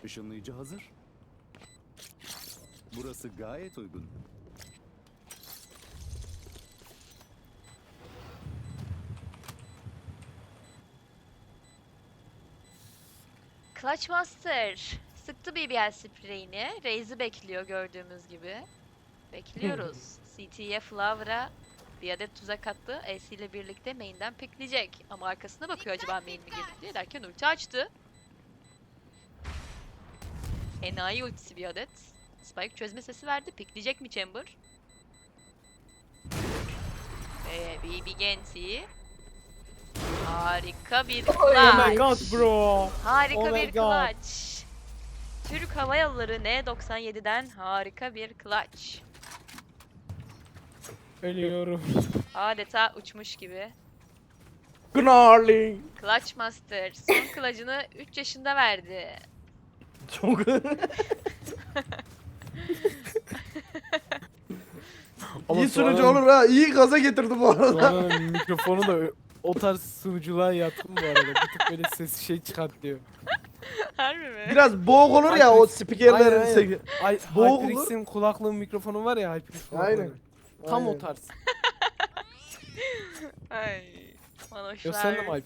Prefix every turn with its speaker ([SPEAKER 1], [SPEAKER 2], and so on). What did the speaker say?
[SPEAKER 1] Işınlayıcı hazır. Burası gayet uygun.
[SPEAKER 2] Clutch Master sıktı BBL spreyini. Raze'i bekliyor gördüğümüz gibi. Bekliyoruz. CT'ye Flower'a bir adet tuzak attı. AC ile birlikte main'den pickleyecek. Ama arkasına bakıyor acaba main mi girdi diye derken ulti açtı. Enayi ultisi bir adet. Spike çözme sesi verdi. Pickleyecek mi Chamber? Ve BB Genti. Harika bir
[SPEAKER 3] Oh my god
[SPEAKER 2] clutch.
[SPEAKER 3] bro.
[SPEAKER 2] Harika
[SPEAKER 3] Oh my
[SPEAKER 2] bir
[SPEAKER 3] God.
[SPEAKER 2] clutch. Türk Hava Yolları N97'den harika bir clutch.
[SPEAKER 3] Ölüyorum.
[SPEAKER 2] Adeta uçmuş gibi.
[SPEAKER 3] Gnarly.
[SPEAKER 2] Clutch Master son clutch'ını 3 yaşında verdi.
[SPEAKER 3] Çok.
[SPEAKER 4] İyi sunucu olur ha. İyi gaza getirdi bu arada.
[SPEAKER 3] Sonra mikrofonu da o tarz sunuculuğa yatkın bu arada. Bir tık böyle ses şey çıkartıyor.
[SPEAKER 2] Harbi mi?
[SPEAKER 4] Biraz boğuk olur ya o spikerlerin
[SPEAKER 3] Aynen,
[SPEAKER 4] sesi.
[SPEAKER 3] Ay,
[SPEAKER 4] Boğuk
[SPEAKER 3] HyperX'in kulaklığın mikrofonu var ya HyperX kulaklığı.
[SPEAKER 4] Aynen.
[SPEAKER 3] Tam o
[SPEAKER 4] Aynen.
[SPEAKER 3] tarz.
[SPEAKER 2] Ay.
[SPEAKER 3] Yo sen de mi
[SPEAKER 2] Manoşlar.